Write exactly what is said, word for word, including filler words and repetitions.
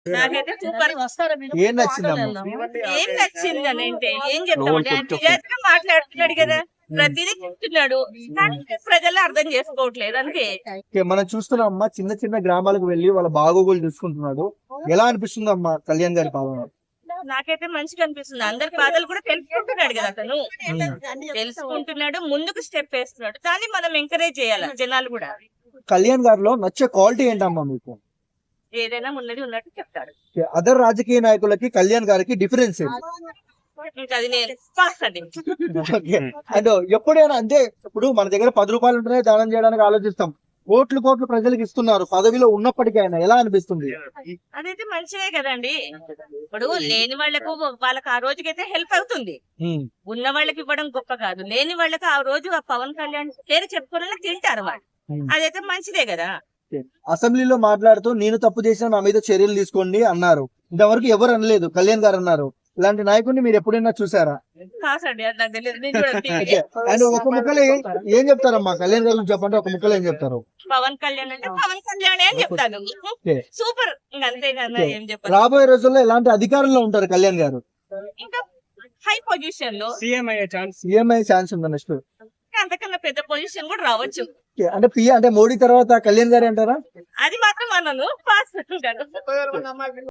నాకైతే సూపర్. ఏం నచ్చిందమ్మా? ఏం నచ్చింది అని అంటే ఏం చెప్తామండి, ఆయన నిజాయితీగా మాట్లాడుతున్నాడు కదా, ప్రతిదీ చెప్తున్నాడు, కానీ ప్రజలు అర్థం చేసుకోవట్లేదు అంతే. ఓకే, మనం చూస్తున్నాం అమ్మా, చిన్న చిన్న గ్రామాలకు వెళ్ళి వాళ్ళ బాగోగులు చూసుకుంటున్నాడు. ఎలా అనిపిస్తుంది అమ్మా కళ్యాణ్ గారి పాలన? నాకైతే మంచిగా అనిపిస్తుంది. అందరి బాధలు కూడా తెలుసుకుంటున్నాడు కదా అతను, తెలుసుకుంటున్నాడు, ముందుకు స్టెప్ వేస్తున్నాడు. దాన్ని మనం ఎంకరేజ్ చేయాలి జనాలు కూడా. కళ్యాణ్ గారిలో నచ్చే క్వాలిటీ ఏంటమ్మా మీకు? ఏదైనా ఉన్నది ఉన్నట్టు చెప్తాడు. అదర్ రాజకీయ నాయకులకి కళ్యాణ్ గారికి డిఫరెన్స్ ఏంటి? ఇంకా అది నేను పాస్ అండి. ఓకే, అంటే ఎప్పుడైనా అంటే ఇప్పుడు మన దగ్గర పది రూపాయలు ఉంటేనే దానం చేయడానికి ఆలోచిస్తాం. కోట్లు కోట్లు ప్రజలకు ఇస్తున్నారు, పదవిలో ఉన్నప్పటికైనా ఎలా అనిపిస్తుంది? అదైతే మంచిదే కదండి. ఇప్పుడు లేని వాళ్ళకు వాళ్ళకి ఆ రోజుకైతే హెల్ప్ అవుతుంది. ఉమ్, ఉన్న వాళ్ళకి ఇవ్వడం గొప్ప కాదు, లేని వాళ్ళకి ఆ రోజు ఆ పవన్ కళ్యాణ్ పేరు చెప్పుకోవాలని తింటారు వాళ్ళు. ఉమ్. అదైతే మంచిదే కదా. అసెంబ్లీలో మాట్లాడుతూ నేను తప్పు చేసిన నా మీద చర్యలు తీసుకోండి అన్నారు. ఇంతవరకు ఎవరు అనలేదు, కళ్యాణ్ గారు అన్నారు. ఇలాంటి నాయకుడిని మీరు ఎప్పుడైనా చూసారా? కాసండి, అది నాకు తెలియదు. నేను కూడా ఓకే, టీవీ. అండ్ ఒక ముక్కలో ఏం ఏం చెప్తారమ్మా కళ్యాణ్ గారు గురించి చెప్పండి, ఒక ముక్కలో ఏం చెప్తారు? పవన్ కళ్యాణ్ అంటే పవన్ కళ్యాణ్ అని చెప్తాను. ఓకే. సూపర్, ఇంకా అంతే కదా, ఏం చెప్పాలి. రాబోయే రోజుల్లో ఎలాంటి అధికారంలో ఉంటారు కళ్యాణ్ గారు? ఇంకా హై పొజిషన్ లో, సీఎం అయ్యే ఛాన్స్ సీఎం అయ్యే ఛాన్స్ ఉందా నెక్స్ట్? అంతకన్నా పెద్ద పొజిషన్ కూడా రావచ్చు. అంటే పి అంటే మోడీ తర్వాత కళ్యాణ్ గారు అంటారా? అది మాత్రం అన్నాను, పాస్ ఉంటాను.